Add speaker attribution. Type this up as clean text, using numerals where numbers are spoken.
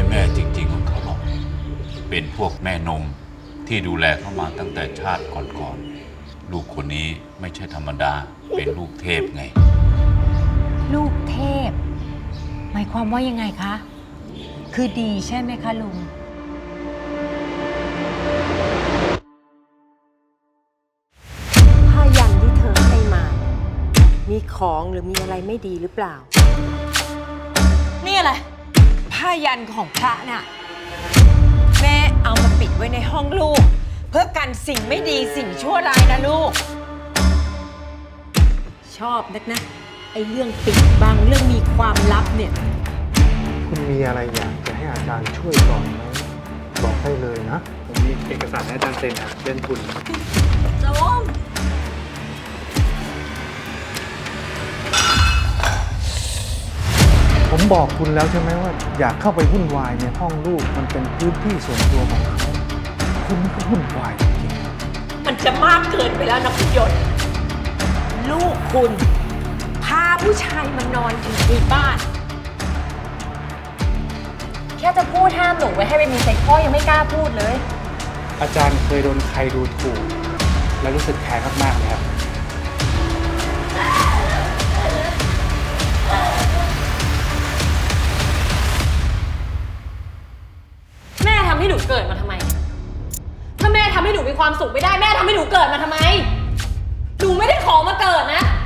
Speaker 1: แม่จริงๆของเขาหรอกเป็นพวกแม่นมที่ดูแลเขามาตั้งแต่ชาติก่อนๆลูกคนนี้ไม่ใช่ธรรมดาเป็นลูกเทพไง
Speaker 2: ลูกเทพหมายความว่ายังไงคะคือดีใช่ไหมคะลุง
Speaker 3: ผ้ายันที่เธอให้มา มีของหรือมีอะไรไม่ดีหรือเปล่า
Speaker 4: นี่อะไรผ้ายันของพระน่ะแม่เอามาปิดไว้ในห้องลูก เพื่อกันสิ่งไม่ดีสิ่งชั่วร้ายนะลูก
Speaker 3: ชอบนักนะไอ้เรื่องปิดบังเรื่องมีความลับเนี่ย
Speaker 5: คุณมีอะไรอยากจะให้อาจารย์ช่วยก่อนไหมบอกได้เลยนะ
Speaker 6: ผมมีเอกสารให้อาจารย์เซ็นครับเรื่องทุน
Speaker 5: ผมบอกคุณแล้วใช่ไหมว่าอยากเข้าไปวุ่นวายในห้องลูกมันเป็นพื้นที่ส่วนตัวของเขาคุณนี่ก็วุ่นวายจริงๆ
Speaker 4: มันจะมากเกินไปแล้วนะคุณยศลูกคุณพาผู้ชายมานอนอยู่ในบ้าน
Speaker 2: แค่จะพูดห้ามหนูไว้ให้ไปมีเซ็กพ่อยังไม่กล้าพูดเลย
Speaker 6: อาจารย์เคยโดนใครดูถูก และรู้สึกแค้นมากๆเลยครับ
Speaker 7: แม่ทำให้หนูเกิดมาทำไม ถ้าแม่ทำให้หนูมีความสุขไม่ได้แม่ทำให้หนูเกิดมาทำไม หนูไม่ได้ขอมาเกิดนะ